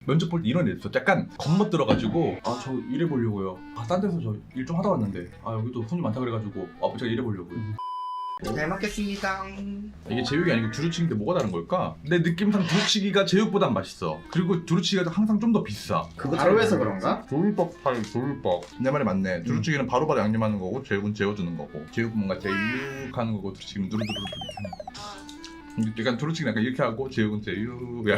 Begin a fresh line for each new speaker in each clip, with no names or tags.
면접 볼 때 이런 애 있어. 약간 겁먹들어가지고 아 저 일해보려고요. 아 딴 데서 저 일 좀 하다 왔는데 아 여기도 손님 많다 그래가지고 아 제가 일해보려고요.
잘 먹겠습니다.
이게 제육이 아니고 두루치기인데 뭐가 다른 걸까? 내 느낌상 두루치기가 제육보단 맛있어. 그리고 두루치기가 항상 좀 더 비싸.
그거 바로 해서 그런가?
조울떡 팔 조울떡.
내 말이 맞네. 두루치기는 바로바로 양념하는 거고 제육은 재워주는 거고. 제육은 뭔가 제육하는 거고 두루치기는 누르누르 이렇게 하는 거. 약간 두루치기는 약간 이렇게 하고 제육은 제육야.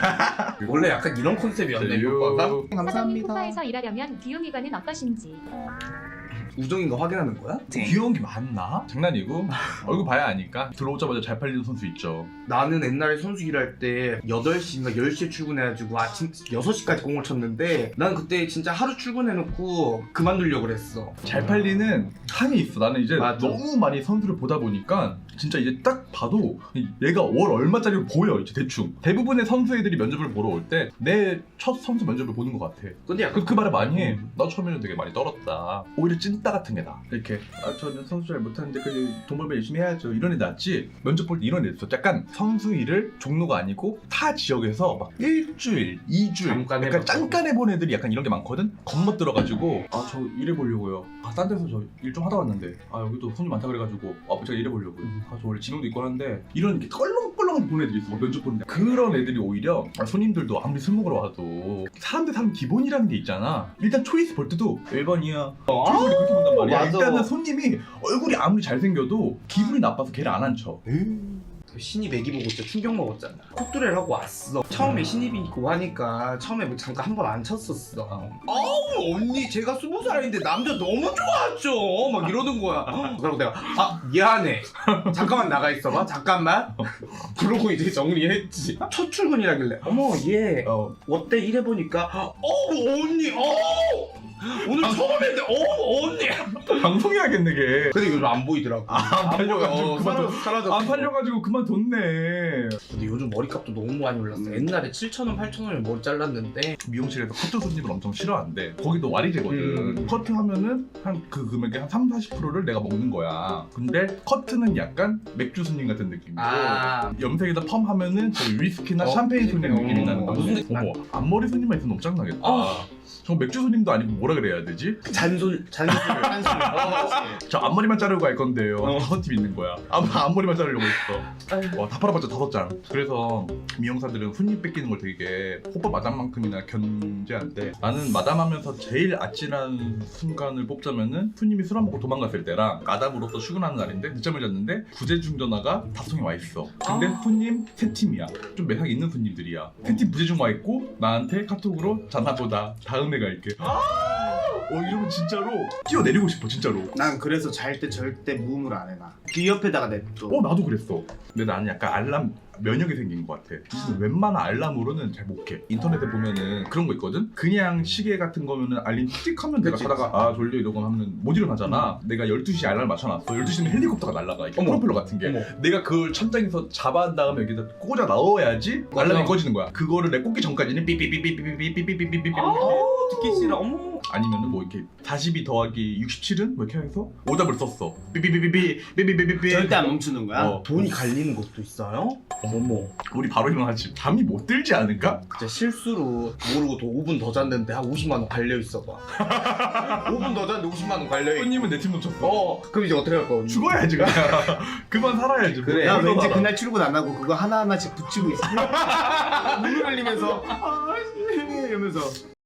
원래 약간 이런 컨셉이었네 이거가.
사장님
감사합니다.
쿠파에서 일하려면 귀요미관은 어떠신지.
우정인 거 확인하는 거야?
귀여운 게 맞나? 장난이고 얼굴 봐야 아니까. 들어오자마자 잘 팔리는 선수 있죠.
나는 옛날에 선수 일할 때 8시인가 10시에 출근해가지고 아침 6시까지 공을 쳤는데 난 그때 진짜 하루 출근해놓고 그만두려고 그랬어.
잘 팔리는 한이 있어. 나는 이제
맞아.
너무 많이 선수를 보다 보니까 진짜 이제 딱 봐도 얘가 월 얼마짜리 보여. 이제 대충 대부분의 선수 애들이 면접을 보러 올 때 내 첫 선수 면접을 보는 것 같아.
근데 약간
그 말을 많이 해. 나 처음에는 되게 많이 떨었다. 오히려 찐따 같은 애다. 이렇게 아 저는 선수 잘 못하는데 그래도 돈 벌면 열심히 해야죠. 이런 애 낫지. 면접 볼 때 이런 애 있어. 약간 선수 일을 종로가 아니고 타 지역에서 막 일주일, 2주일
잠깐
약간
해봤다고.
잠깐 해본 애들이 약간 이런 게 많거든. 겁먹들어가지고 아 저 일해보려고요. 아 딴 데서 저 일 좀 하다 왔는데 아 여기도 손님 많다 그래가지고 아 제가 일해보려고요. 아 저 원래 지능도 있고 하는데 이런 이렇게 껄렁껄렁한 보는 애들이 있어. 막 면접 보는데 그런 애들이 오히려 손님들도 아무리 술 먹으러 와도 사람 대 사람 기본이라는 게 있잖아. 일단 초이스 볼 때도 1번이야. 초이스를 그렇게 본단 말이야.
맞아.
일단은 손님이 얼굴이 아무리 잘생겨도 기분이 나빠서 걔를 안 앉혀.
그 신입 애기 보고 진짜 충격 먹었잖아. 콧뚜레를 하고 왔어. 처음에 신입이고 하니까 처음에 뭐 잠깐 한 번 안 쳤었어. 아우 언니 제가 20살인데 남자 너무 좋아하죠. 막 이러는 거야. 그리고 내가 아 미안해. 잠깐만 나가 있어봐. 잠깐만. 그러고 이제 정리했지. 첫 출근이라길래 어머 얘 어때 일해보니까 언니 오늘 처음 했는데 언니
방송해야겠네 걔.
근데 요즘 안 보이더라고.
안 팔려가지고 그만
사라졌어.
안 팔려가지고 그만뒀네.
근데 요즘 머리값도 너무 많이 올랐어. 옛날에 7,000원, 8,000원에 머리 잘랐는데
미용실에서 커트 손님을 엄청 싫어한대. 거기도 와리제거든. 커트 하면은 한 그 금액의 한 30-40%를 내가 먹는 거야. 근데 커트는 약간 맥주 손님 같은 느낌이고 염색에다 펌 하면은 저 위스키나 샴페인 손님 느낌이 나는 거야.
무슨 느낌?
어머 앞머리 손님만 있으면 너무 짱나겠다. 저 맥주 손님도 아니고 뭐라 그래야 되지?
잔술.
저 앞머리만 자르고 갈 건데요. 5팁 있는 거야. 앞머리만 자르려고 했어. 와, 다 팔아봤자 5장. 그래서 미용사들은 손님 뺏기는 걸 되게 호빠 마담만큼이나 견제한대. 나는 마담하면서 제일 아찔한 순간을 뽑자면은 손님이 술 안 먹고 도망갔을 때랑 마담으로서 출근하는 날인데 늦잠을 잤는데 부재중 전화가 답송이 와 있어. 근데 손님 3팀이야. 좀 매상 있는 손님들이야. 3팀 부재중 와 있고 나한테 카톡으로 자나보다 다음에 갈게. 이러면 진짜로 뛰어내리고 싶어 진짜로.
난 그래서 잘 때 절대 무음으로 안 해놔. 귀 옆에다가 냅둬.
나도 그랬어. 근데 나는 약간 알람 면역이 생긴 것 같아. 웬만한 알람으로는 잘 못 깨. 인터넷에 보면은 그런 거 있거든? 그냥 시계 같은 거면은 알림 틱 하면 내가
그치.
자다가 아 졸려 이러고 하면 못 일어나잖아. 내가 12시에 알람 맞춰놨어. 12시면 헬리콥터가 날아가. 이렇게
어머.
프로펠러 같은 게.
어머.
내가 그걸 천장에서 잡아한 다음에 여기다 꽂아 넣어야지 알람이 꺼지는 거야. 그거를 내 꽂기 전까지는 삐삐삐삐삐삐삐삐삐삐삐삐삐
듣기 싫어. 어머.
아니면은 뭐 이렇게 42 더하기 67은 뭐 이렇게 해서 오답을 썼어. 삐삐삐삐삐삐삐삐삐삐
절대 안 멈추는 거야.
돈이 갈리는 것도 있어요? 어머.
우리 바로 일어나지. 잠이 못 들지 않을까?
진짜 실수로 모르고 또 5분 더 잤는데 한 50만 원 갈려 있어 봐. 5분 더 잤는데 50만 원 갈려 있어.
손님은 내 팀 놓쳤어.
그럼 이제 어떻게 할 거야?
죽어야지 그냥. 그만 살아야지.
그래.
나
뭐.
왠지 그날 출근 안 하고 그거 하나하나씩 붙이고 있어. 눈물 흘리면서 아씨 이러면서